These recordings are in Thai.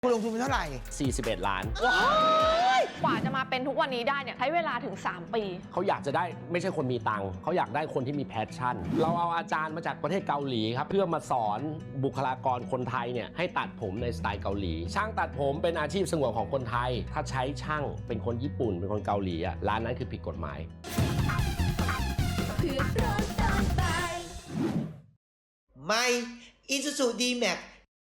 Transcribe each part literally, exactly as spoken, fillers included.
คุณลงทุนไปเท่าไหร่สี่สิบเอ็ดล้านว้ายกว่าจะมาเป็นทุกวันนี้ได้เนี่ยใช้เวลาถึงสามปีเขาอยากจะได้ไม่ใช่คนมีตังค์เขาอยากได้คนที่มีแพชชั่นเราเอาอาจารย์มาจากประเทศเกาหลีครับเพื่อมาสอนบุคลากรคนไทยเนี่ยให้ตัดผมในสไตล์เกาหลีช่างตัดผมเป็นอาชีพสงวนของคนไทยถ้าใช้ช่างเป็นคนญี่ปุ่นเป็นคนเกาหลีอ่ะร้านนั้นคือผิดกฎหมายไม่ Isuzu D-Max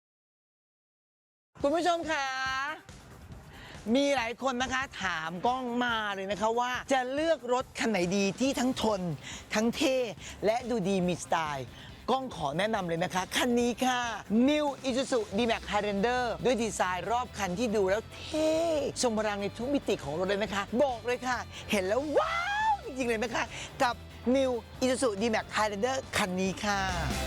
คุณผู้ชมคะมีหลายคนนะคะถามก้องมาเลยนะคะว่าจะเลือกรถคันไหนดีที่ทั้งทนทั้งเท่และดูดีมีสไตล์ก้องขอแนะนำเลยนะคะคันนี้ค่ะ New Isuzu D-Max Highlander ด้วยดีไซน์รอบคันที่ดูแล้วเท่ทรงพลังในทุกมิติของรถเลยนะคะบอกเลยค่ะเห็นแล้วว้าวจริงๆเลยนะคะกับ New Isuzu D-Max Highlander คันนี้ค่ะ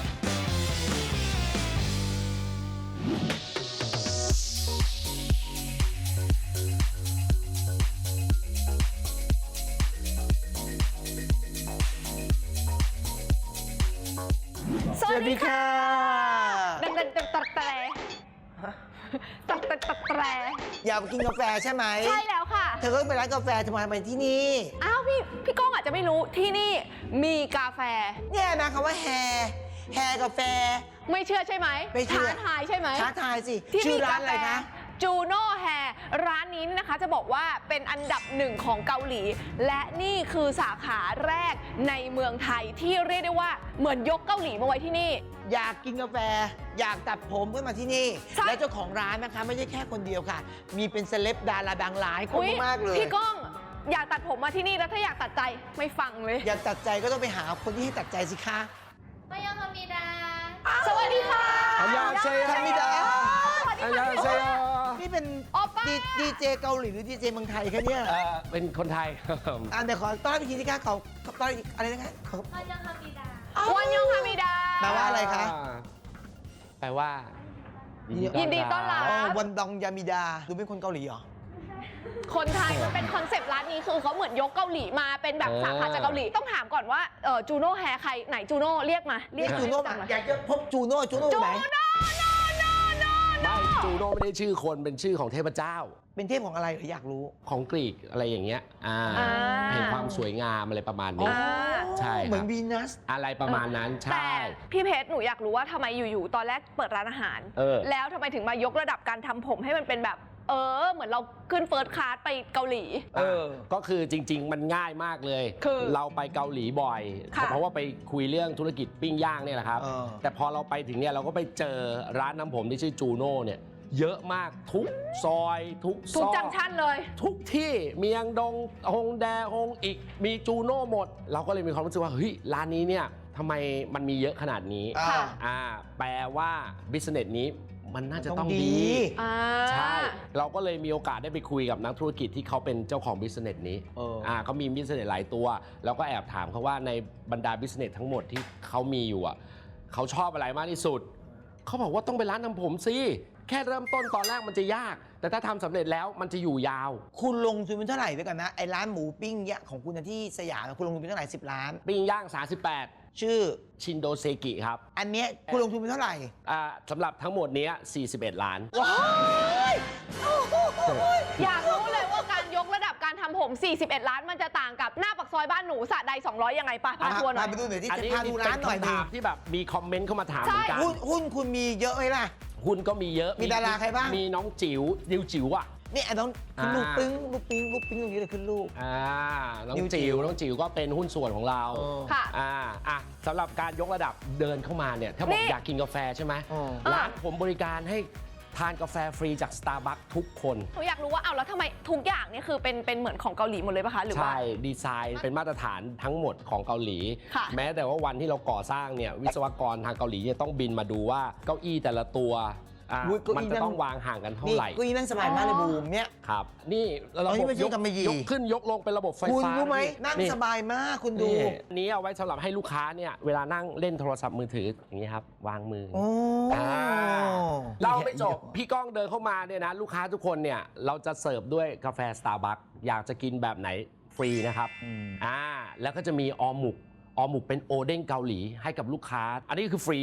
สวัสดีค่ะตัดตัดตัดตัดแตรตัดตัดตัดแตรอยากไปกินกาแฟใช่ไหมใช่แล้วค่ะเธอก็ไปร้านกาแฟทำไมไปที่นี่อ้าวพี่พี่ก้องอาจจะไม่รู้ที่นี่มีกาแฟเนี่ยนะคำว่าแฮแฮกาแฟไม่เชื่อใช่ไหมไม่เชื่อท้าทายใช่ไหมท้าทายสิที่ชื่อร้านอะไรคะจูโน่แฮร้านนี้นะคะจะบอกว่าเป็นอันดับหนึ่งของเกาหลีและนี่คือสาขาแรกในเมืองไทยที่เรียกได้ว่าเหมือนยกเกาหลีมาไว้ที่นี่อยากกินกาแฟอยากตัดผมก็มาที่นี่และเจ้าของร้านนะคะไม่ใช่แค่คนเดียวค่ะมีเป็นเซเลบดาราดังหลายคนมากเลยพี่ก้องอยากตัดผมมาที่นี่แล้วถ้าอยากตัดใจไม่ฟังเลยอยากตัดใจก็ต้องไปหาคนที่ให้ตัดใจสิคะมายังคามิดาสวัสดีค่ะอันยาเซโยคามิดาอันยาเซโยนี่เป็นดีเจเกาหลีหรือดีเจเมืองไทยคะเนี่ยเป็นคนไทยอ่าเดี๋ยวขอต้อนรับอีกทีสิคะขอต้อนรับอะไรนะคะมายังคามิดาวันยองคามิดาแปลว่าอะไรคะแปลว่ายินดีต้อนรับวันดองยามิดาดูเป็นคนเกาหลีเหรอคนไทยมันเป็นคอนเซปต์ร้านนี้คือเขาเหมือนยกเกาหลีมาเป็นแบบสาขาจากเกาหลีต้องถามก่อนว่าเออจูโน่แฮร์ใครไหนจูโน่เรียกมาเรียกจูโน่มาอยากจะพบจูโน่จูโน่ไหนจูโน่โน่โน่โน่ไม่จูโน่ไม่ได้ชื่อคนเป็นชื่อของเทพเจ้าเป็นเทพของอะไรเหรออยากรู้ของกรีกอะไรอย่างเงี้ยอ่าเห็นความสวยงามอะไรประมาณนี้ใช่เหมือนวีนัสอะไรประมาณนั้นใช่แต่พี่เพชรหนูอยากรู้ว่าทำไมอยู่ๆตอนแรกเปิดร้านอาหารแล้วทำไมถึงมายกระดับการทำผมให้มันเป็นแบบเออเหมือนเราขึ้นเฟิร์สคลาสไปเกาหลีเออก็คือจริงๆมันง่ายมากเลยคือเราไปเกาหลีบ่อยเพราะว่าไปคุยเรื่องธุรกิจปิ้งย่างเนี่ยแหละครับแต่พอเราไปถึงเนี่ยเราก็ไปเจอร้านน้ำผมที่ชื่อจูโน่เนี่ยเยอะมากทุกซอยทุกซอยทุกจังชั่นเลยทุกที่เมียงดงฮงแดฮงอีกมีจูโน่หมดเราก็เลยมีความรู้สึกว่าเฮ้ยร้านนี้เนี่ยทำไมมันมีเยอะขนาดนี้อ่าแปลว่าบิสเนสนี้มันน่าจะต้องดีใช่เราก็เลยมีโอกาสได้ไปคุยกับนักธุรกิจที่เขาเป็นเจ้าของบิสเนสนี้อ่าเขามีบิสเนสหลายตัวเราก็แอบถามเขาว่าในบรรดาบิสเนสทั้งหมดที่เขามีอยู่อ่ะเขาชอบอะไรมากที่สุดเขาบอกว่าต้องไปร้านทำผมสิแค่เริ่มต้นตอนแรกมันจะยากแต่ถ้าทำสำเร็จแล้วมันจะอยู่ยาวคุณลงทุนเป็นเท่าไหร่ด้วยกันนะไอ้ร้านหมูปิ้งย่างของคุณที่สยามคุณลงทุนเป็นเท่าไหร่สิบล้านปิ้งย่างสามสิบแปดชื่อชินโดเซกิครับอันเนี้ยคุณลงทุนเป็นเท่าไหร่อ่าสำหรับทั้งหมดนี้สี่สิบเอ็ดล้านว้ายอยากรู้เลยว่าการยกระดับการทำผมสี่สิบเอ็ดล้านมันจะต่างกับหน้าปากซอยบ้านหนูสระใดสองร้อยยังไงปะพาทัวร์หน่อยไปดูหน่อยที่จะพาดูร้านหน่อยดิที่แบบมีคอมเมนต์เข้ามาถามเหมือนกันหุ้นคุณมีเยอะไหมล่ะหุ้นก็มีเยอะมีดาราใครบ้างมีน้องจิ๋วดิวจิ๋วอ่ะนี่ไอ้น้องลูกปิ้งลูกปิ้งลูกปิ้งตรงนี้เลยขึ้นลูกอ่าน้องจิ๋วน้องจิ๋วก็เป็นหุ้นส่วนของเราค่ะอ่าอ่ะสำหรับการยกระดับเดินเข้ามาเนี่ยถ้าบอกอยากกินกาแฟใช่ไหมร้านผมบริการให้ทานกาแฟฟรีจาก Starbucks ทุกคนหนูอยากรู้ว่าเอาแล้วทำไมทุกอย่างเนี่ยคือเป็นเป็นเหมือนของเกาหลีหมดเลยป่ะคะหรือว่าใช่ดีไซน์เป็นมาตรฐานทั้งหมดของเกาหลีแม้แต่ว่าวันที่เราก่อสร้างเนี่ยวิศวกรทางเกาหลีจะต้องบินมาดูว่าเก้าอี้แต่ละตัวมันจะต้องวางห่างกันเท่าไหร่ก็อีนั่งสบายมากเลยบูมเนี่ยครับนี่ระบบยกยกขึ้นยกลงเป็นระบบไฟฟ้าคุณรู้ไหมนั่งสบายมากคุณดูนี้เอาไว้สำหรับให้ลูกค้าเนี่ยเวลานั่งเล่นโทรศัพท์มือถืออย่างนี้ครับวางมือเราไม่จบพี่ก้องเดินเข้ามาเนี่ยนะลูกค้าทุกคนเนี่ยเราจะเสิร์ฟด้วยกาแฟ Starbucks อยากจะกินแบบไหนฟรีนะครับอ่าแล้วก็จะมีออหมุกออหมุกเป็นโอเด้งเกาหลีให้กับลูกค้าอันนี้คือฟรีหมด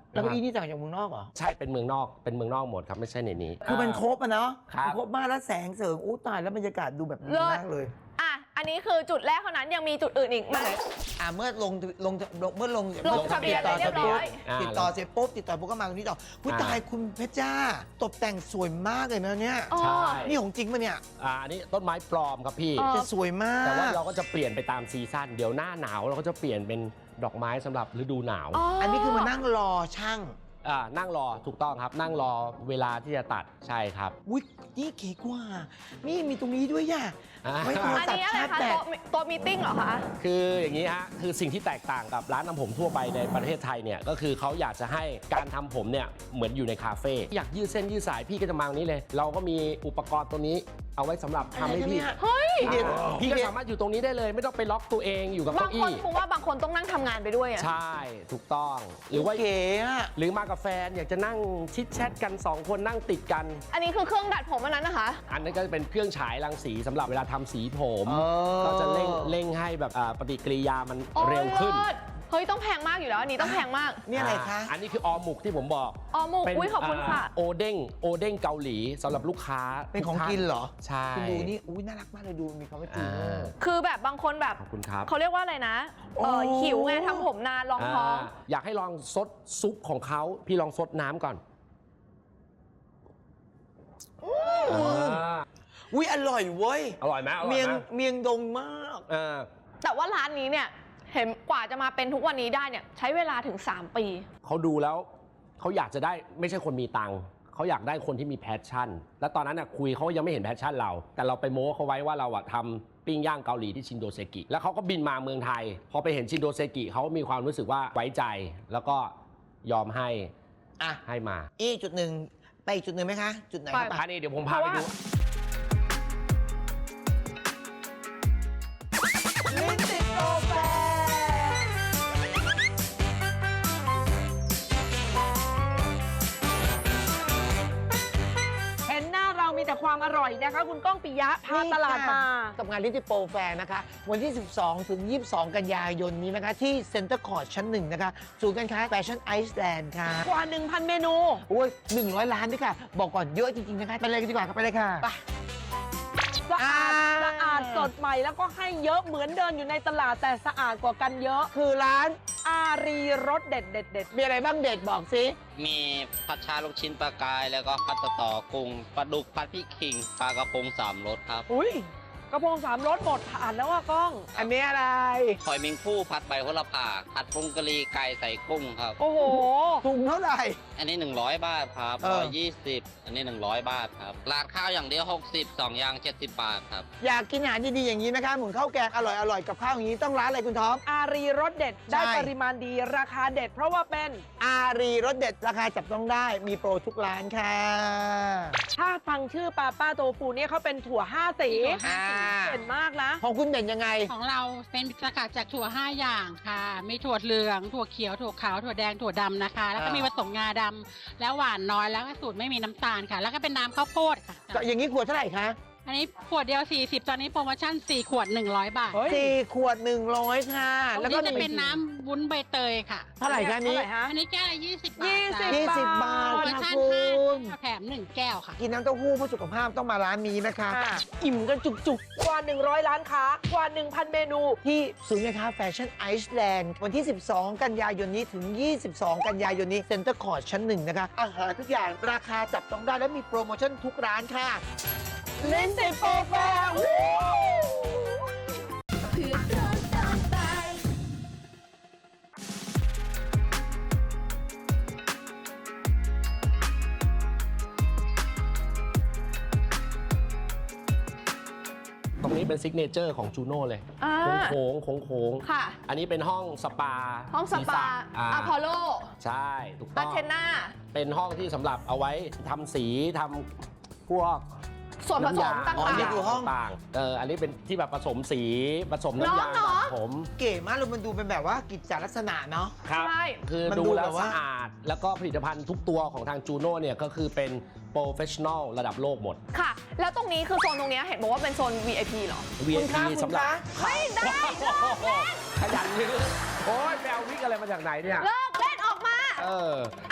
แล้วเก้าอี้นี่สั่งจากเมืองนอกเหรอใช่เป็นเมืองนอกเป็นเมืองนอกหมดครับไม่ใช่ในนี้คือมันครบอะเนาะครับมันครบมากแล้วแสงเสริงอู้ตายแล้วบรรยากาศดูแบบดีมากเลยอ่ะ อันนี้คือจุดแรกเท่านั้นยังมีจุดอื่นอีกไหมอ่าเมื่อลงลงเมื่อลงลงทะเบียนติดต่อเรียบร้อยติดต่อเสร็จปุ๊บติดต่อปุ๊บก็มาตรงนี้ต่อผู้ตายคุณเพชรจ้าตกแต่งสวยมากเลยนะเนี่ยอ๋อใช่นี่ของจริงปะเนี่ยอ่าอันนี้ต้นไม้ปลอมครับพี่อ๋อจะสวยมากแต่ว่าเราก็จะเปลี่ยนไปตามซีซั่นเดี๋ยวหน้าหนาวเราก็จะเปลี่ยนเป็นดอกไม้สำหรับฤดูหนาวอันนี้คือมานั่งรอช่างอ่านั่งรอถูกต้องครับ นั่งรอเวลาที่จะตัดใช่ครับอุ้ยนี่เก๋กว่า นี่มีตรงนี้ด้วยย่ะอ่าไว้โทรอันศัพนี้ท์อะไรชาร์จคะแบตโต๊ะโต๊ะมีตติ้งเหรอคะคืออย่างนี้ฮะคือสิ่งที่แตกต่างกับร้านทำผมทั่วไปในประเทศไทยเนี่ยก็คือเขาอยากจะให้การทำผมเนี่ยเหมือนอยู่ในคาเฟ่อยากยืดเส้นยืดสายพี่ก็จะมาตรงนี้เลย เราก็มีอุปกรณ์ตัวนี้เอาไว้สำหรับทำให้พี่เฮ้ยพี่เดชพี่ก็สามารถอยู่ตรงนี้ได้เลย ไม่ต้องไปล็อกตัวเองอยู่กับบางเก้าคนอี้ผมว่าบางคนต้องนั่งทำงานไปด้วยอะใช่ถูกต้องหรือว่าเก๋อะหรือมากับแฟนอยากจะนั่งชิดแชทกันสองคนนั่งติดกันอันนี้คือเครื่องดัดผมอันนั้นนะคะอันนั้นก็จะเป็นเครื่องฉายรังสีสำหรับเวลาทำสีผมเออก็จะเร่งเร่งให้แบบอ่าปฏิกิริยามันโอ้ยเร็วขึ้นเลิศเฮ้ยต้องแพงมากอยู่แล้วอันนี้ต้องแพงมากนี่อะไรคะอันนี้คือออหมุกที่ผมบอกอ๋อหมูเป็นอุ้ยขอบคุณค่ะาโอเด้งโอเด้งเกาหลีสำหรับลูกค้าเป็นของทุท่ากินเหรอใช่คุณดูนี่อุ้ยน่ารักมากเลยดูมีคำว่าจีโน่อ่าคือแบบบางคนแบบขอบคุณครับเขาเรียกว่าอะไรนะเออโอ้หิวไงทำผมนานรองท้องาอยากให้ลองซดซุปของเขาพี่ลองซดน้ำก่อนอ่าอุ้ยอร่อยเว้ยอร่อยไหมอร่อยเมียงไหมเมียงดงมากเออแต่ว่าร้านนี้เนี่ยเห็นกว่าจะมาเป็นทุกวันนี้ได้เนี่ยใช้เวลาถึง สาม ปีเขาดูแล้วเขาอยากจะได้ไม่ใช่คนมีตังค์เขาอยากได้คนที่มีแพชชั่น แล้วตอนนั้นน่ะคุยเขายังไม่เห็นแพชชั่นเรา แต่เราไปโม้เขาไว้ว่าเราอะทำปิ้งย่างเกาหลีที่ชินโดเซกิแล้วเขาก็บินมาเมืองไทย พอไปเห็นชินโดเซกิเขามีความรู้สึกว่าไว้ใจ แล้วก็ยอมให้อ่ะให้มาอีกจุดหนึ่งไปอีกจุดหนึ่งไหมคะ จุดไหนไปครับอันนี้เดี๋ยวผมพาไปดูลิ้นติดโปรแฟเห็นหน้าเรามีแต่ความอร่อยนะคะ คุณก้องปิยะพาตลาดมากับงานลิ้นติดโปรแฟร์นะคะ วันที่ สิบสอง ถึง ยี่สิบสอง กันยายนนี้นะคะ ที่เซ็นเตอร์คอร์ทชั้นหนึ่งนะคะศูนย์การค้าแฟชั่นไอซ์แลนด์ค่ะกว่า หนึ่งพัน เมนูโอ้ยหนึ่งร้อยล้านด้วยค่ะ บอกก่อนเยอะจริง ๆ นะคะ ไปเลยกันดีกว่าครับไปเลยค่ะ ไปสะอาดอ่าสะอาดสดใหม่แล้วก็ให้เยอะเหมือนเดินอยู่ในตลาดแต่สะอาดกว่ากันเยอะคือร้านอารีรสเด็ดเด็ดเด็ดมีอะไรบ้างเด็ดบอกสิมีผัดชาลูกชิ้นปลากาย แล้วก็ผัดสะตอกุ้งปลาดุกผัดพริกขิงปลากระพงสามรสครับอุ้ยกระเพงสามรสหมดผ่านแล้วว่ากล้องอันนี้อะไรหอยเมิงผู้ผัดใบโหระพาผัดผงกะหรี่ไก่ใส่กุ้งครับโอ้โหถุงเท่าไหร่อันนี้ หนึ่งร้อย บาทครับเออร้อยยี่สิบอันนี้ หนึ่งร้อย บาทครับราดข้าวอย่างเดียว หกสิบ สองอย่าง เจ็ดสิบ บาทครับอยากกินอาหารดีๆอย่างนี้นะคะหมุนข้าวแกงอร่อยๆ กับข้าวอย่างนี้ต้องร้านอะไรคุณท็อปอารีรสเด็ดได้ใช่ปริมาณดีราคาเด็ด เพราะว่าเป็นอารีรสเด็ดราคาจับต้องได้มีโปรทุกร้านค่ะถ้าฟังชื่อปาป้าโตฟูเนี่ยเขาเป็นถั่วห้าสีอ่าเด่นมากนะของคุณเด่นยังไงของเราเป็นสกัดจากถั่วห้าอย่างค่ะ มีถั่วเหลือง ถั่วเขียว ถั่วขาว ถั่วแดง ถั่วดำนะคะ แล้วก็อ่ามีมีผสมงาดำ แล้วหวานน้อย แล้วก็สูตรไม่มีน้ำตาลค่ะ แล้วก็เป็นน้ำข้าวโพดค่ะก็อย่างนี้ขวดเท่าไหร่คะอันนี้ขวดเดียว สี่สิบ ตอนนี้โปรโมชั่น สี่ ขวด หนึ่งร้อย บาทเฮ้ยสี่ขวดหนึ่งร้อยค่ะแล้แล้ว วก็ก็จะมีเป็นน้ำวุ้นใบเตยค่ะเท่าไหร่คะนี้เท่าไหร่ฮะอันนี้แก้วละยี่สิบบาทยี่สิบค่ะยี่สิบบาทโปรโมค่ะชั่นคุห้าณแถมหนึ่งแก้วค่ะกินน้ำเต้าหู้เพื่อสุขภาพต้องมาร้านนี้นะคะค่ะอิ่มกันจุกกว่า หนึ่งร้อย ล้านค้ากว่า หนึ่งพัน เมนูๆ ที่ศูนย์การค้าแฟชั่นไอซ์แลนด์วันที่ สิบสอง กันยายนนี้ถึง ยี่สิบสอง กันยายนนี้เซ็นเตอร์คอร์ทชั้นหนึ่งนะคะ อาหารทุกอย่างราคาจับต้องได้และมีโปรโมชั่นทุกร้านค่ะเล่นติดโปรแฟร์ตรงนี้เป็นซิกเนเจอร์ของจูโน่เลยอ่าโค้งโค้งโค้งๆค่ะอันนี้เป็นห้องสปาห้องสศีรปาษะอ่าอะพอลโลใช่ถูกต้อาองเทน่าเป็นห้องที่สำหรับเอาไว้ทำสีทำพวกส่วนผสมน้ำยต่างอ๋อนี่คือห้องต่างๆเอออันนี้เป็นที่แบบผสมสีผสมน้ำยาเนอะแบบผมเก๋มากเลยมันดูเป็นแบบว่ากิจจลักษณะเนาะครับใช่คือมันดูดูแล้แบวบว่าสะอาด แล้วก็ผลิตภัณฑ์ทุกตัวของทางจูโน่เนี่ยก็คือเป็นโปรเฟชชั่นอลระดับโลกหมดค่ะ แล้วตรงนี้คือโซนตรงเนี้ยเห็นบอกว่าเป็นโซน วี ไอ พี เหรอวีคุไอณคะพีคุณสำหรับคะไม่ได้ขยันยืดโอ้ยแมววิกอะไรมาจากไหนเนี่ยเลิกเล่นออกมาเออ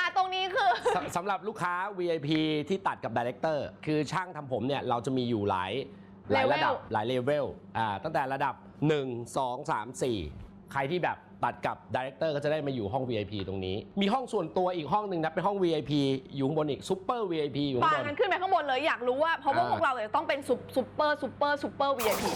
สสำหรับลูกค้า วี ไอ พี ที่ตัดกับดีเรคเตอร์คือช่างทำผมเนี่ยเราจะมีอยู่หลายหลายระดับหลายเลเวลอ่าตั้งแต่ระดับหนึ่ง สอง สาม สี่ใครที่แบบตัดกับดีเรคเตอร์ก็จะได้มาอยู่ห้อง วี ไอ พี ตรงนี้มีห้องส่วนตัวอีกห้องหนึ่งนะเป็นห้อง วี ไอ พี อยู่ข้างบนอีกซุปเปอร์ วี ไอ พี อยู่ข้าปางบนกันขึ้นไปข้างบนเลยอยากรู้ว่าเพราะว่าอ่าพวกเราเนี่ยต้องเป็นซุปซุปเปอร์ซุปเปอร์ซุปเปอร์ วี ไอ พี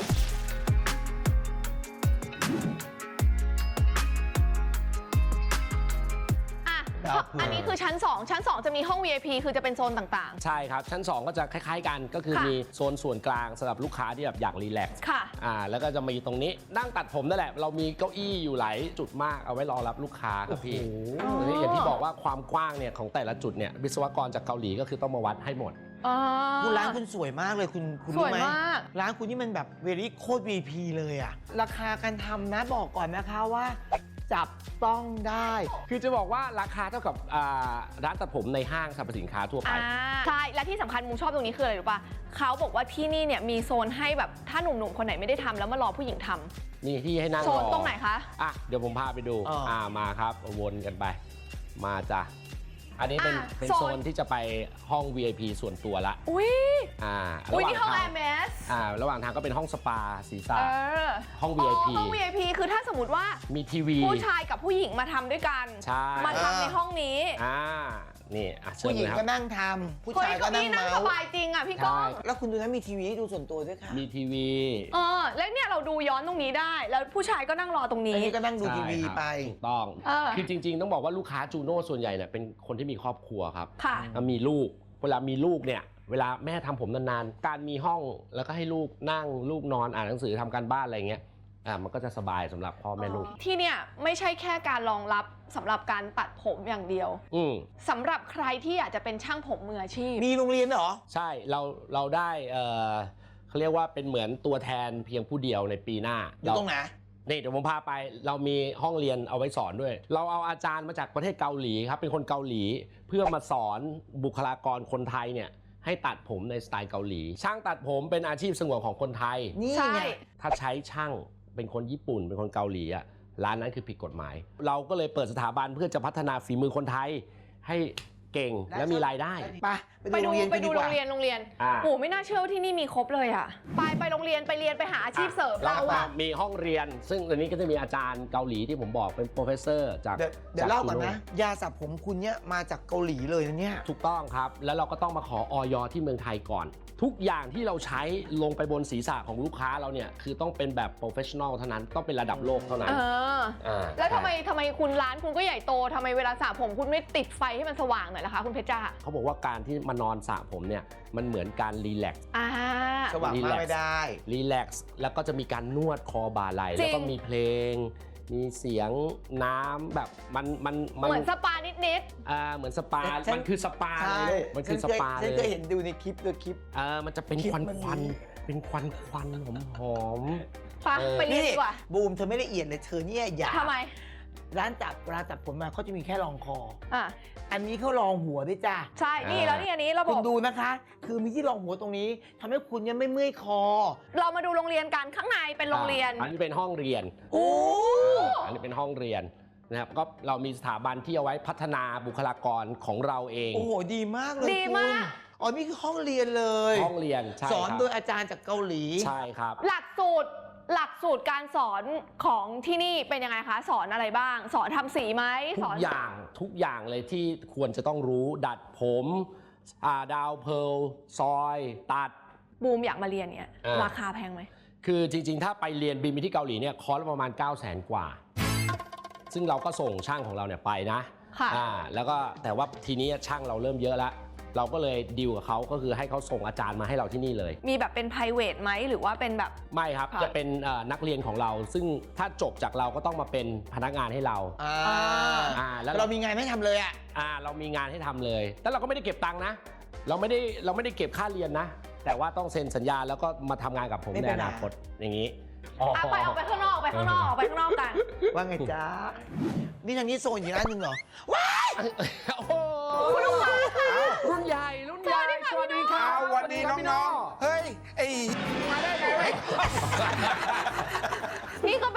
อ่ะดาวเผือกอันนี้คือชั้น สอง ชั้น สอง จะมีห้อง วี ไอ พี คือจะเป็นโซนต่างใช่ครับ ชั้น สอง ก็จะคล้าย ๆ กันก็คือค่ะมีโซนส่วนกลางสำหรับลูกค้าที่แบบอยากรีแลกซ์ๆ ค่ะอ่าแล้วก็จะมีตรงนี้นั่งตัดผมนั่นแหละ เรามีเก้าอี้อยู่หลายจุดมากเอาไว้รอรับลูกค้าครับพี่อ๋ออย่างที่บอกว่าความกว้างเนี่ยของแต่ละจุดเนี่ยวิศวกรจากเกาหลีก็คือต้องมาวัดให้หมดอ๋อคุณร้านคุณสวยมากเลยคุณคุณสรู้วยไหมมากร้านคุณนี่มันแบบเวรี่โคตร วี พี เลยอะราคาการทำนะบอกก่อนนะคะว่า จับต้องได้คือจะบอกว่าราคาเท่ากับอ่าร้านตัดผมในห้างสรรพสินค้าทั่วไปอ่าใช่ และที่สำคัญมุมชอบตรงนี้คืออะไรรู้ป่ะเขาบอกว่าที่นี่เนี่ยมีโซนให้แบบถ้าหนุ่มๆ คนไหนไม่ได้ทำแล้วมารอผู้หญิงทำนี่ที่ให้นั่งโซรนอตรงไหนคะอ่ะเดี๋ยวผมพาไปดูอ่าอ่ามาครับวนกันไป มาจ้ะอันนี้เป็นอ่ะเป็นโซนโซนที่จะไปห้อง วี ไอ พี ส่วนตัวละอุ้ยอ่าอุ้ยระหว่างนี่ห้องทาแอง ร์เมสอ่าระหว่างทางก็เป็นห้องสปาศีรษะเออห้อง วี ไอ พีห้อง วี ไอ พี คือถ้าสมมติว่ามีทีวีผู้ชายกับผู้หญิงมาทำด้วยกันใช่มาทำในห้องนี้อ่านี่อ่ะเชิผู้ญหญิเลงยคก็รับนั่งทำผู้เฮ้ยชายก็เก้านั่งอี้นั่งเมาสส์บายจริงอ่ะพี่ก้องใช่แล้วคุณดูนะมีทีวีให้ดูส่วนตัวด้วยค่ะมีทีวีเออ แล้วเนี่ยเราดูย้อนตรงนี้ได้ แล้วผู้ชายก็นั่งรอตรงอันนี้นี้ก็นั่งดูทีวีใช่ครับไปถูกต้องเออคือจริง ๆ ต้องบอกว่าลูกค้าจูโน่ส่วนใหญ่เนี่ยเป็นคนที่มีครอบครัวครับค่ะแล้วมีลูก เวลามีลูกเนี่ย เวลาแม่ทำผมนานๆ การมีห้องแล้วก็ให้ลูกนั่งลูกนอนอ่านหนังสือทำการบ้านอะไรเงี้ย อ่ามันก็จะสบายสำหรับพ่อแม่ลูกที่เนี่ยไม่ใช่แค่การรองรับสำหรับการตัดผมอย่างเดียวอืมสำหรับใครที่อยากจะเป็นช่างผมมืออาชีพมีโรงเรียนเหรอใช่ เราเราได้เออเขาเรียกว่าเป็นเหมือนตัวแทนเพียงผู้เดียวในปีหน้าอยู่ตรงไหนนี่เดี๋ยวผมพาไปเรามีห้องเรียนเอาไว้สอนด้วย เราเอาอาจารย์มาจากประเทศเกาหลีครับเป็นคนเกาหลีเพื่อมาสอนบุคลากรคนไทยเนี่ยให้ตัดผมในสไตล์เกาหลี ช่างตัดผมเป็นอาชีพสงวนของคนไทยนี่ใช่ไงถ้าใช้ช่างเป็นคนญี่ปุ่นเป็นคนเกาหลีอะร้านนั้นคือผิดกฎหมาย เราก็เลยเปิดสถาบันเพื่อจะพัฒนาฝีมือคนไทย ให้เก่งและมีรายได้ไปไปไปดูดูโรงเรียนไปกันดูดีกโรว่างเรียนโรงเรียนอ่าโอ้ไม่น่าเชื่อว่าที่นี่มีครบเลยอ่ะ ไปไปโรงเรียนไปเรียนไปหาอาชีพเสริมเราอ่ะอ่ะมีห้องเรียน ซึ่งอันนี้ก็จะมีอาจารย์เกาหลีที่ผมบอกเป็นโปรเฟสเซอร์จากเดี๋ยวเดี๋ยวจเล่าก่อนจูโนะ ยาสระผมคุณเนี่ยมาจากเกาหลีเลยนะเนี่ยถูกต้องครับ แล้วเราก็ต้องมาขอออยที่เมืองไทยก่อน ทุกอย่างที่เราใช้ลงไปบนศีรษะของลูกค้าเราเนี่ยคือต้องเป็นแบบโปรเฟชชั่นอลเท่านั้นต้องเป็นระดับโลกเท่านั้นเอออ่าแล้วทำไมทำไมคุณร้านคุณก็ใหญ่โตทำไมเวลาสระผมคุณไม่ติดไฟให้มันสว่างหน่อยล่ะคะคุณเพชรจ้าเขาบอกว่าการที่มานอนสระผมเนี่ยมันเหมือนการรีแลกซ์อ่าสว่างมากไม่ได้รีแลกซ์แล้วก็จะมีการนวดคอบ่าไหล่จริงแล้วก็มีเพลง มีเสียงน้ำแบบมันมันเหมือนสปานิดอ่าเหมือนสปาฉันมันคือสปาใช่เลยลูกมันคือสปาฉันเลเคยยเห็นดูในคลิปดูคลิปเออมันจะเป็นคลิปควันมันควันมีเป็นควันควันหอมหอมๆไปเออไปเรียนดีกว่าบูมเธอไม่ละเอียดเลยเธอเนี่ยอย่าทำไมร้านตัดเวลาตัดผมมาเขาจะมีแค่รองคออ่ะอันนี้เขารองหัวด้วยจ้าใช่ นี่แล้วนี่อันนี้ระบคุณบดูนะคะ คือมีที่รองหัวตรงนี้ทำให้คุณเนี่ยไม่เมื่อยคอเรามาดูโรงเรียนกันข้างในเป็นโรงเรียนอันนี้เป็นห้องเรียนโอ้อันนี้เป็นห้องเรียนนะครับก็เรามีสถาบันที่เอาไว้พัฒนาบุคลากรของเราเองโอ้โหดีมากเลยดีคุณมากอ๋อนี่คือห้องเรียนเลยห้องเรียนใช่สอนครับโดยอาจารย์จากเกาหลีใช่ครับหลักสูตรหลักสูตรการสอนของที่นี่เป็นยังไงคะ สอนอะไรบ้าง สอนทำสีไหมทุสกอนอย่างทุกอย่างเลยที่ควรจะต้องรู้ดัดผมอ่าดาวเพร์ลซอยตัดบูมอยากมาเรียนเนี่ยอ่าราคาแพงไหมคือจริงๆ ถ้าไปเรียนบินไปที่เกาหลีเนี่ยคอร์สละประมาณ เก้าแสน กว่า ซึ่งเราก็ส่งช่างของเราเนี่ยไปนะค่ะอ่าแล้วก็แต่ว่าทีนี้ช่างเราเริ่มเยอะแล้ว เราก็เลยดีลกับเขาก็คือให้เขาส่งอาจารย์มาให้เราที่นี่เลยมีแบบเป็น private ไหมหรือว่าเป็นแบบไม่ครับค่ะจะเป็นเอ่อนักเรียนของเรา ซึ่งถ้าจบจากเราก็ต้องมาเป็นพนักงานให้เราอ่าอ่าแล้วเรามีงานไม่ทำเลยอ่ะอ่าเรามีงานให้ทำเลย แต่เราก็ไม่ได้เก็บตังค์นะ เราไม่ได้เราไม่ได้เก็บค่าเรียนนะ แต่ว่าต้องเซ็นสัญญาแล้วก็มาทำงานกับผมไม่ในเป็นอไรนาคตอย่างนี้อ่ะไปเอาไปข้างนอกไปข้างนอกออกไปข้างนอกกันว่าไงจ๊ะ นี่ทางนี้โซนอยู่ร้านหนึ่งเหรอโอ้โหรุ่นใหญ่รุ่นใหญ่สวัสดีครับเอาวันนี้น้องๆ เฮ้ย ไอ้มาได้ไงวะนี่ก็เป็น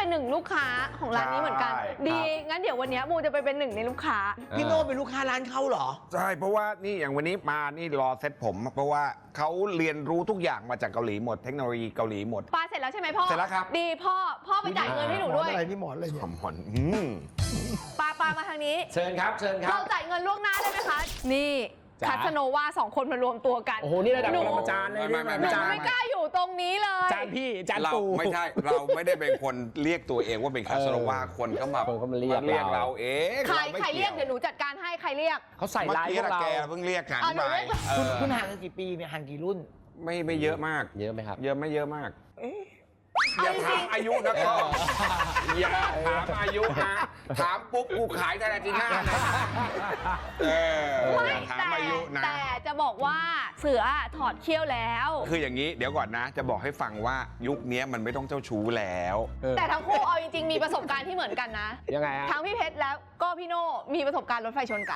เป็นหนึ่งลูกค้าของร้านนี้เหมือนกันใช่ดีครับงั้นเดี๋ยววันนี้บูจะไปเป็นหนึ่งในลูกค้าพี่โน่เป็นลูกค้าร้านเขาเหรอใช่เพราะว่านี่อย่างวันนี้มานี่รอเซ็ตผม เพราะว่าเขาเรียนรู้ทุกอย่างมาจากเกาหลีหมดเทคโนโลยีเกาหลีหมดปลาเสร็จแล้วใช่ไหมพ่อเสร็จแล้วครับดีพ่อ พ่อไปจ่ายเงินให้หนูด้วยอะไรนี่หมอนอะไรเนี่ยหอมหอนอืมปลาปลามาทางนี้เชิญครับ เชิญครัเราบจ่ายเงินล่วงหน้าได้ไหมคะ นี่จ๋าคัสโนวาสองคนมารวมตัวกันโอ้โห นี่ระดับหนูปรมาจารย์เลยไม่นี่ไม่หนูจารย์ไม่กล้าอยู่ตรงนี้เลยจานพี่จานเราปูไม่ใช่ เราไม่ได้เป็นคนเรียกตัวเองว่าเป็นคาสโนวาคนก็มาคนก็มาเรียกเรียกเราเราเองใคราไม่ใครเรียกวเดี๋ยวหนูจัดการให้ใครเรียกเขาใส่เมื่อลายกี้พวกนะเราแกเพิ่งเรียกกันอ่ะหนูไปเรียกเอคุณอคุณห่างกันกี่ปีเนี่ยห่างกี่รุ่นไม่ไม่เยอะมากเยอะไหมครับเยอะไม่เยอะมากเอาอย่าจถาริมงอายุนะก็อย่าถามอายุนะถามปุ๊บกูขายไทยแลนด์จีน่านะเออๆไม่อย่าถามแต่อายุนะแต่จะบอกว่าเสือถอดเขี้ยวแล้วคืออย่างนี้เดี๋ยวก่อนนะ จะบอกให้ฟังว่ายุคนี้มันไม่ต้องเจ้าชู้แล้วแต่ทั้งคู่เอาจริงๆมีประสบการณ์ที่เหมือนกันนะยังไงฮะทั้งพี่เพชรแล้วก็พี่โน่มีประสบการณ์รถไฟชนกัน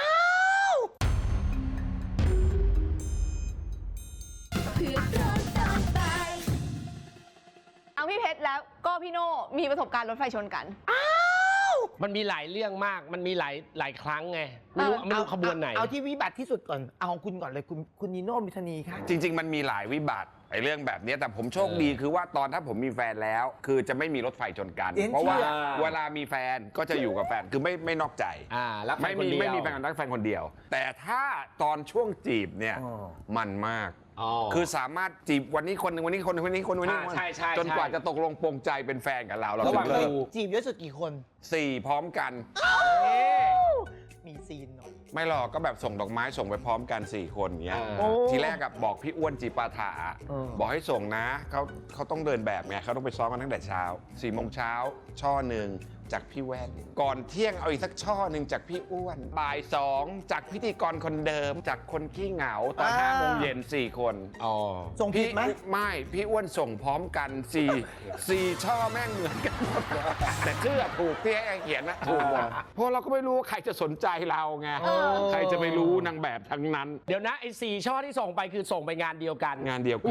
ทั้งพี่เพชรแล้วก็พี่โน่มีประสบการณ์รถไฟชนกันมันมีหลายเรื่องมาก มันมีหลายหลายครั้งไง ไม่รู้เออไม่รู้ขบวนไหนเอาที่วิบัติที่สุดก่อน เอาของคุณก่อนเลยคุณคุณนิโน่มิธานีค่ะจริง ๆ มันมีหลายวิบัติไอ้เรื่องแบบนี้แต่ผมโชคเออดีคือว่าตอนถ้าผมมีแฟนแล้ว คือจะไม่มีรถไฟชนกันเอ็นเพราะว่าเชื่อเวลามีแฟนก็จะอยู่กับแฟนคือไม่ไม่นอกใจอ่าแล้วไม่มีไม่มีแฟนกับนักแฟนคนเดียว แต่ถ้าตอนช่วงจีบเนี่ยอ๋อมันมากอ๋อคือสามารถจีบวันนี้คนหนึ่งวันนี้คนหนึ่งวันนี้คนวันนี้อ่าใช่ใช่จนกว่าใช่จะตกลงปรงใจเป็นแฟนกับเราเราระหถึว่างงเลิกดูจีบเยอะสุดกี่คนสี่พร้อมกันมีซีนหน่อยไม่หรอกก็แบบส่งดอกไม้ส่งไปพร้อมกันสี่คนอย่างเงี้ยโอ้ทีแรกกับบอกพี่อ้วนจีปาถาเออบอกให้ส่งนะเขาเขาต้องเดินแบบไงเขาต้องไปซ้อมกันตั้งแต่เช้าสี่โมงเช้าช่อหนึ่งจากพี่แว่น ก่อนเที่ยงเอาอีกสักช่อหนึ่งจากพี่อ้วนบ่ายสองจากพิธีกรคนเดิมจากคนขี้เหงาตอนห้าโมงเย็นสี่คนอ๋อส่งผิดไหมพี่ไม่พี่อ้วนส่งพร้อมกันสี่สี่ช่อแม่งเหมือนกันหมดแต่ชื่อถูกที่ให้เขียนนะถูกหมดเพราะเราก็ไม่รู้ว่าใครจะสนใจเราไงเออใครจะไปรู้นางแบบทั้งนั้นเดี๋ยวนะไอ้สี่ช่อที่ส่งไปคือส่งไปงานเดียวกันงานเดียวกัน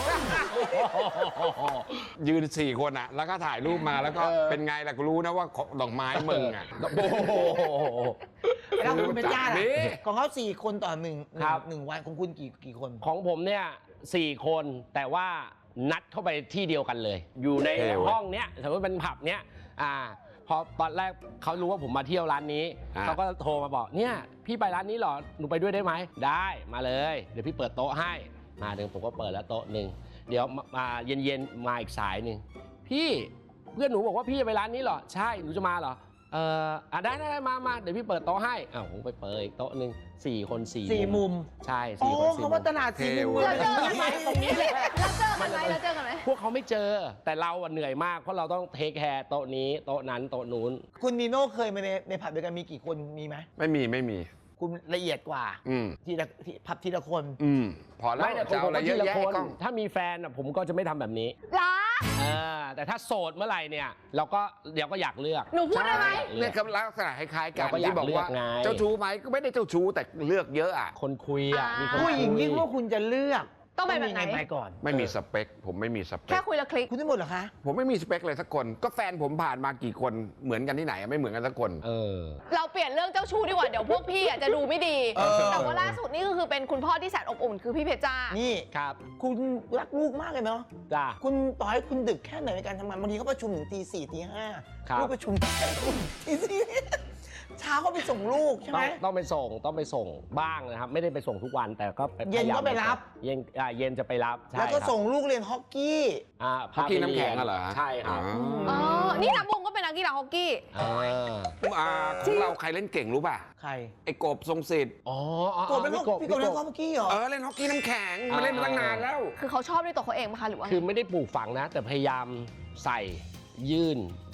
ยืนสี่คนอะแล้วก็ถ่ายรูปมาแล้วก็เออเป็นไงล่ะกูรู้นะว่าดอกไม้มึงอะโอ้โหแล้วคุณเป็นจ้าล่ะนี่ของเขาสี่คนต่อหนึ่งหนึ่งครับหนึ่งวันของคุณกี่กี่คนของผมเนี่ยสี่คนแต่ว่านัดเข้าไปที่เดียวกันเลย อยู่ในเท่เว้ยห้องเนี้ยสมมติเป็นผับเนี้ยอ่าพอตอนแรกเขารู้ว่าผมมาเที่ยวร้านนี้อ่าเขาก็โทรมาบอกเนี่ยพี่ไปร้านนี้เหรอหนูไปด้วยได้ไหมได้มาเลย เดี๋ยวพี่เปิดโต๊ะให้มาถึงผมก็เปิดแล้วโต๊ะหนึ่งเดี๋ยวมามาเย็นๆมาอีกสายหนึ่งพี่เพื่อนหนูบอกว่าพี่จะไปร้านนี้เหรอใช่หนูจะมาเหรอเอออ่ะได้ได้ได้มามาเดี๋ยวพี่เปิดโต๊ะให้อ้าวผมไปเปิดอีกโต๊ะหนึ่งสี่คนสี่สี่มุมใช่อ๋อสี่คนสี่เขามุว่าม ตลาดสี่มุมเราเจอเลกันไหมยตรงนี้แหละเราเจอกันไหมเราเจอกันไหมพวกเขาไม่เจอแต่เราอะเหนื่อยมากเพราะเราต้องเทคแคร์โต๊ะนี้โต๊ะนั้นโต๊ะนู้นคุณนิโน่เคยมาในในผับเดียวกันมีกี่คนมีไหมไม่มีไม่มีคุณละเอียดกว่าอืมทีละทีพับทีละคนอืมพอแล้วไม่แต่ผมจะเอาอะไรก็เยทีอะละแยะคนกล้องถ้ามีแฟนอะผมก็จะไม่ทำแบบนี้ล้าเออแต่ถ้าโสดเมื่อไหร่เนี่ย เราก็เดี๋ยวก็อยากเลือกหนูพูดได้ไหมเนี่ยครับลักษณะคล้ายๆกันเราก็อยากที่บอกว่าเลือกไงเจ้าชู้ไหมก็ไม่ได้เจ้าชู้แต่เลือกเยอะอ่ะคนคุยอะอ่ามีมีคนผู้หญิงคุยยิ่งว่าคุณจะเลือกต้องเป็นแบบไหนมีไปก่อนไม่มีสเปค ผมไม่มีสเปแค่คคุยและคลิกคุณได้หมดเหรอคะผมไม่มีสเปคเลยสักคน ก็แฟนผมผ่านมากี่คนเหมือนกันที่ไหนอะไม่เหมือนกันสักคนเออเราเปลี่ยนเรื่องเจ้าชู้ดีกว่าเดี๋ยวพวกพี่อ่ะจะดูไม่ดีเออแต่ว่าล่าสุดนี่ก็คือเป็นคุณพ่อที่แสนอบอุ่นคือพี่เพชรจ้านี่ครับคุณรักลูกมากเลยเนาะจ้าคุณต่อให้คุณดึกแค่ไหนในการทำงานบางทีเขาประชุมถึงตีสี่ตีห้าครับลูกประชุมตีสี่เช้าก็ไปส่งลูกใช่ไหต้มองต้องไปส่งต้องไปส่งบ้างนะครับ ไม่ได้ไปส่งทุกวันแต่ก็เย็นพาาก็ไปรับเย็นอ่าเย็นจะไปรับใช่แล้วก็ครับส่งลูกเรียนฮอกกี้อ่าฮอกกี้น้ำแข็งพาไปอะเหรอใช่ครับอ๋อ นี่นับวงก็เป็นนักกีฬาฮอกกี้อ่าอ่าของเราใครเล่นเก่งรู้ป่ะใครไอ้กบทรงสิทธิ์อ๋ออ๋อโกบเป็นพี่ฮอกพี่โกบเล่นฮอกกี้เหรอเออเล่นฮอกกี้น้ำแข็งมาเล่นมาตั้งนานแล้วคือเขาชอบด้วยตัวเขาเองไหมคะหรือว่าคือไม่ได้ปลูกฝังนะ แต่พยายามใส่ยื่น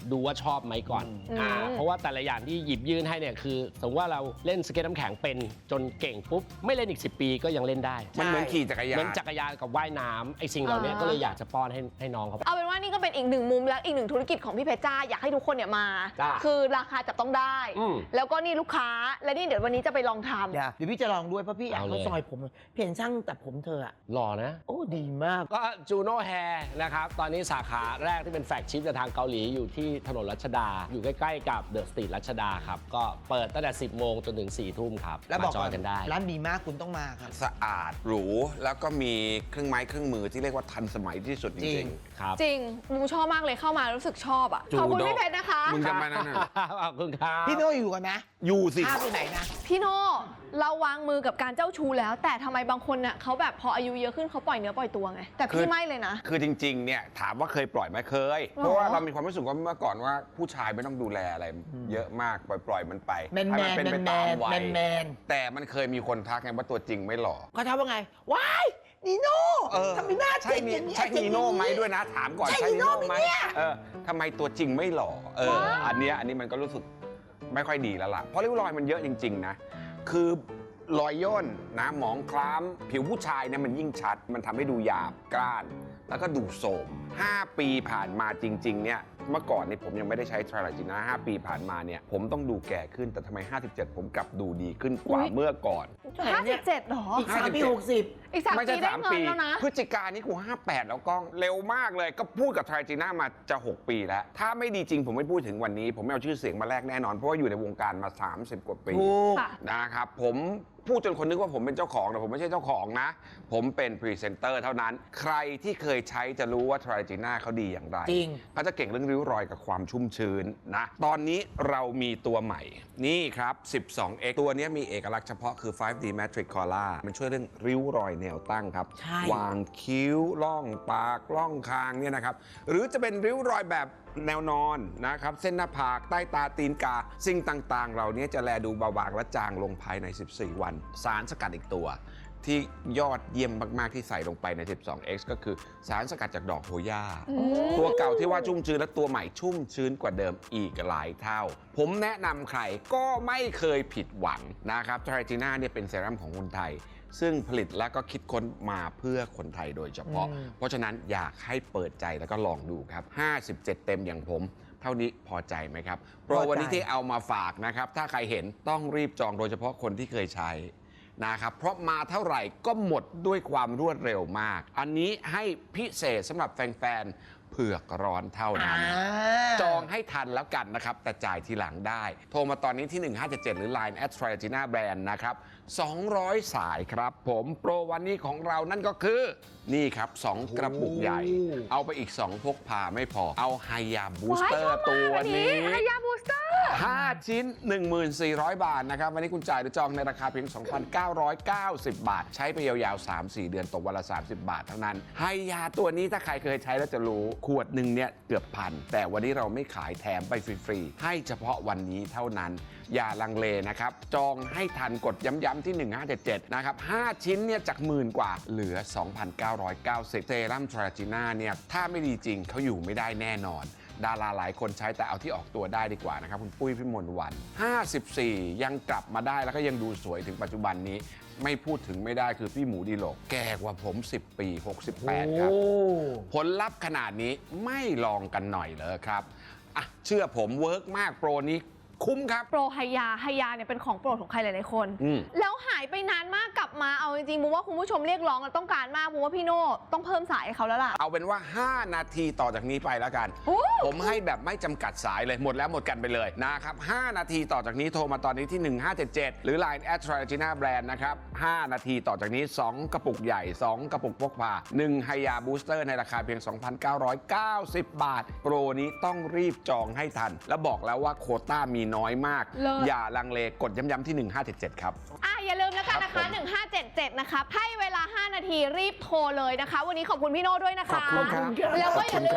ดูว่าชอบไหมก่อนอืมอ่าเพราะว่าแต่ละอย่างที่หยิบยื่นให้เนี่ยคือสมมติว่าเราเล่นสเก็ตน้ำแข็งเป็นจนเก่งปุ๊บไม่เล่นอีกสิบปีก็ยังเล่นได้มันเหมือนขี่จักรยาเหมือน นจักรยานกับว่ายน้ำไอ้สิ่งเหล่านี้ก็เลยอยากจะป้อนให้ให้น้องเขาเอาเป็นว่านี่ก็เป็นอีกหนึ่งมุมและอีกหนึ่งธุรกิจของพี่เพชรจ้าอยากให้ทุกคนเนี่ยมาจ้าคือราคาจับต้องได้อืมแล้วก็นี่ลูกค้าและนี่เดี๋ยววันนี้จะไปลองทำเดี๋ยวเดี๋ยวพี่จะลองด้วยเพราะพี่อยากเอาเลยเขาซอยผมเห็นช่างตัดผมเธออะหล่อนะโอ้ดีมากก็จูโน่แฮร์นะครับ ตอนนี้สาขาแรกที่เป็นแฟลกชิพจากทางเกาหลีอยู่ที่ถนนรัชดา อยู่ใกล้ๆกับเดอะสตรีทรัชดาครับ ก็เปิดตั้งแต่ สิบโมงจนถึง สี่ทุ่มครับแล้วบอกมาจอยกันได้ร้านดีมากคุณต้องมาครับสะอาดหรูแล้วก็มีเครื่องไม้เครื่องมือที่เรียกว่าทันสมัยที่สุดจจริริงงครับจริงมูชอบมากเลยเข้ามารู้สึกชอบอ่ะจูขอบคุณโน่พี่เพชรนะคะๆ มึงจะมานั่นน่ะขอบคุณครับพี่โน่อยู่กันนะอยู่สิข้ามไปไหนนะพี่โน่เราวางมือกับการเจ้าชู้แล้ว แต่ทำไมบางคนเน่ะเขาแบบพออายุเยอะขึ้นเขาปล่อยเนื้อปล่อยตัวไงแต่คืพี่อไม่เลยนะคือจริงๆ เนี่ยถามว่าเคยปล่อยไหมเคยหรอเพราะว่าเรามีความรู้สึกว่าเมื่อก่อนว่าผู้ชายไม่ต้องดูแลอะไร เยอะมากปล่อยปล่อยๆมันไปแมนให้แมมัน เป็นไปแมตามนวัแมยนแมนแต่มันเคยมีคนทักไงว่าตัวจริงไม่หล่อเขาทักว่าไงว้ายนีโน่เออทำไมหน้าใช่เจ๋งนีอย่างนี้ยใช่นีโน่ไหมด้วยนะ ถามก่อนใช่ใช่นีโน่ไหมนีโน่ไหมเนี่ยเออทำไมตัวจริงไม่หล่อเอออันเนี้ยอันนี้มันก็รู้สึกไม่ค่อยดีแล้วล่ะเพราะริ้วรอยมันเยอะจริง ๆ นะ คือรอยย่นนะหมองคล้ำผิวผู้ชายเนี่ยมันยิ่งชัด มันทำให้ดูหยาบกร้าน แล้วก็ดูโสมห้าปีผ่านมาจริง ๆ เนี่ย เมื่อก่อนนี่ผมยังไม่ได้ใช้ทราลาจิน่าห้าปีผ่านมาเนี่ย ผมต้องดูแก่ขึ้นแต่ทำไม ห้าสิบเจ็ด ผมกลับดูดีขึ้นกว่าอุ๊ยเมื่อก่อนห้าสิบเจ็ดหรออีกสามปีหกสิบอีกสามไม่ปีใช่ได้สามเงินปีแล้วนะพฤศจิกายนนี่กูห้าแปดแล้วกล้องเร็วมากเลย ก็พูดกับทราจิน่ามาจะ หก ปีแล้ว ถ้าไม่ดีจริงผมไม่พูดถึงวันนี้ ผมไม่เอาชื่อเสียงมาแลกแน่นอน เพราะว่าอยู่ในวงการมา สามสิบ กว่าปีถูกค่ะนะครับผมพูดจนคนนึกว่าผมเป็นเจ้าของแต่ผมไม่ใช่เจ้าของนะ ผมเป็นพรีเซนเตอร์เท่านั้น ใครที่เคยใช้จะรู้ว่าทราจิน่าเขาดีอย่างไรจริงเขาจะเก่งเรื่องริ้วรอยกับความชุ่มชื้นนะ ตอนนี้เรามีตัวใหม่ นี่ครับ สิบสองเอ็กซ์ ตัวนี้มีเอกลักษณ์เฉพาะคือ ไฟว์ ดี Matrix Color มันช่วยเรื่องริ้วรอยแนวตั้งครับใช่วางคิ้ว ล่องปาก ล่องคางเนี่ยนะครับ หรือจะเป็นริ้วรอยแบบแนวนอนนะครับ เส้นหน้าผาก ใต้ตาตีนกา สิ่งต่างๆ เหล่านี้จะแลดูเบาบางและจางลงภายใน สิบสี่ วัน สารสกัดอีกตัว ที่ยอดเยี่ยมมาก ๆ ที่ใส่ลงไปใน สิบสองเอ็กซ์ ก็คือสารสกัดจากดอกโหย่า ตัวเก่าที่ว่าชุ่มชื้นและตัวใหม่ชุ่มชื้นกว่าเดิมอีกหลายเท่า ผมแนะนำใครก็ไม่เคยผิดหวังนะครับทราจิน่าเนี่ยเป็นเซรั่มของคนไทย ซึ่งผลิตและก็คิดค้นมาเพื่อคนไทยโดยเฉพาะอืมเพราะฉะนั้นอยากให้เปิดใจแล้วก็ลองดูครับ ห้าสิบเจ็ด เต็มอย่างผม เท่านี้พอใจไหมครับ โปรวันนี้ที่เอามาฝากนะครับ ถ้าใครเห็นต้องรีบจองโดยเฉพาะคนที่เคยใช้นะครับ เพราะมาเท่าไหร่ก็หมดด้วยความรวดเร็วมาก อันนี้ให้พิเศษสำหรับแฟนๆเผือกร้อนเท่านั้น จองให้ทันแล้วกันนะครับ แต่จ่ายทีหลังได้ โทรมาตอนนี้ที่ หนึ่งห้าเจ็ดเจ็ด หรือ ไลน์ แอท ทราจิน่า แบรนด์ นะครับ สองร้อย สายครับ ผมโปรวันนี้ของเรานั่นก็คือ นี่ครับ สอง กระปุกใหญ่ เอาไปอีก สอง พกพาไม่พอ เอาไฮยาบูสเตอร์ตัวนี้ไฮยาบูสเตอร์ห้า ชิ้น หนึ่งพันสี่ร้อย บาทนะครับ วันนี้คุณจ่ายหรือจองในราคาเพียง สองพันเก้าร้อยเก้าสิบ บาท ใช้ไปยาวๆ สามสี่ เดือนตกวันละ สามสิบ บาทเท่านั้นไฮยาตัวนี้ถ้าใครเคยใช้แล้วจะรู้ขวดหนึ่งเนี่ยเกือบพัน แต่วันนี้เราไม่ขายแถมไปฟรีๆให้เฉพาะวันนี้เท่านั้น อย่าลังเลนะครับ จองให้ทันกดย้ำๆที่ หนึ่งห้าเจ็ดเจ็ด นะครับ ห้า ชิ้นเนี่ยจากหมื่นกว่าเหลือ สองพันเก้าร้อยเก้าสิบ เซรั่มทราจิน่าเนี่ยถ้าไม่ดีจริงเขาอยู่ไม่ได้แน่นอน ดาราหลายคนใช้แต่เอาที่ออกตัวได้ดีกว่านะครับ คุณปุ้ยพี่มนต์วัน ห้าสิบสี่ ยังกลับมาได้แล้วก็ยังดูสวยถึงปัจจุบันนี้ ไม่พูดถึงไม่ได้คือพี่หมูดีโลกแก่กว่าผม สิบ ปี หกสิบแปด ครับ ผลลัพธ์ขนาดนี้ไม่ลองกันหน่อยเลยครับอ่ะเชื่อผมเวิร์กมากโปรนี้คุ้มครับโปรไฮยาไฮยาเนี่ยเป็นของโปรดของใครหลายๆคนอืมแล้วหายไปนานมากกลับมาเอาจริงๆมูว่าคุณผู้ชมเรียกร้องและต้องการมากมูว่าพี่โน่ต้องเพิ่มสายให้เขาแล้วล่ะเอาเป็นว่า ห้า นาทีต่อจากนี้ไปแล้วกันโอ้ผมให้แบบไม่จำกัดสายเลยหมดแล้วหมดกันไปเลยนะครับ ห้า นาทีต่อจากนี้โทรมาตอนนี้ที่ หนึ่งห้าเจ็ดเจ็ด หรือ ไลน์ แอท ทราจิน่า แบรนด์ นะครับ ห้า นาทีต่อจากนี้ สอง กระปุกใหญ่ สอง กระปุกพกพา หนึ่ง ไฮยาบูสเตอร์ในราคาเพียง สองพันเก้าร้อยเก้าสิบ บาท โปรนี้ต้องรีบจองให้ทัน และบอกแล้วว่าโควต้ามีน้อยมากเลิศอย่าลังเลกดย้ำๆที่ หนึ่งห้าเจ็ดเจ็ด ครับอ่ะอย่าลืมแล้วกันนะครัคะบผมหนึ่งห้าเจ็ดเจ็ดนะคะให้เวลา ห้า นาทีรีบโทรเลยนะคะ วันนี้ขอบคุณพี่โน่ด้วยนะคะขอบคุณครับแล้วก็อย่าลืมมานะคะ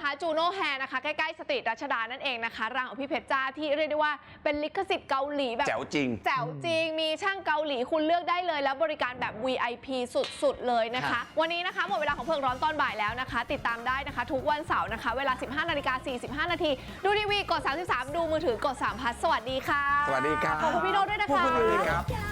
นะคะจูโน่แฮร์นะคะใกล้ๆสตรีทรัชดานั่นเองนะคะร้านของพี่เพชรจ้าที่เรียกได้ว่าเป็นลิขสิทธิ์เกาหลีแบบแจ๋วจริงแจ๋วจริงมีช่างเกาหลีคุณเลือกได้เลยแล้วบริการแบบ วี ไอ พี สุดๆเลยนะคะค่ะวันนี้นะคะหมดเวลาของเพิงร้อนตอนบ่ายแล้วนะคะ ติดตามได้นะคะ ทุกวันเสาร์นะคะ เวลา สิบห้านาฬิกาสี่สิบห้านาทีดูทีวีกดสามสิบสามดูมือถือกดสามพัทสวัสดีค่ะสวัสดีครับขอบคุณพี่โน้ตด้วยนะขอบคะคุณเลยครับอยาก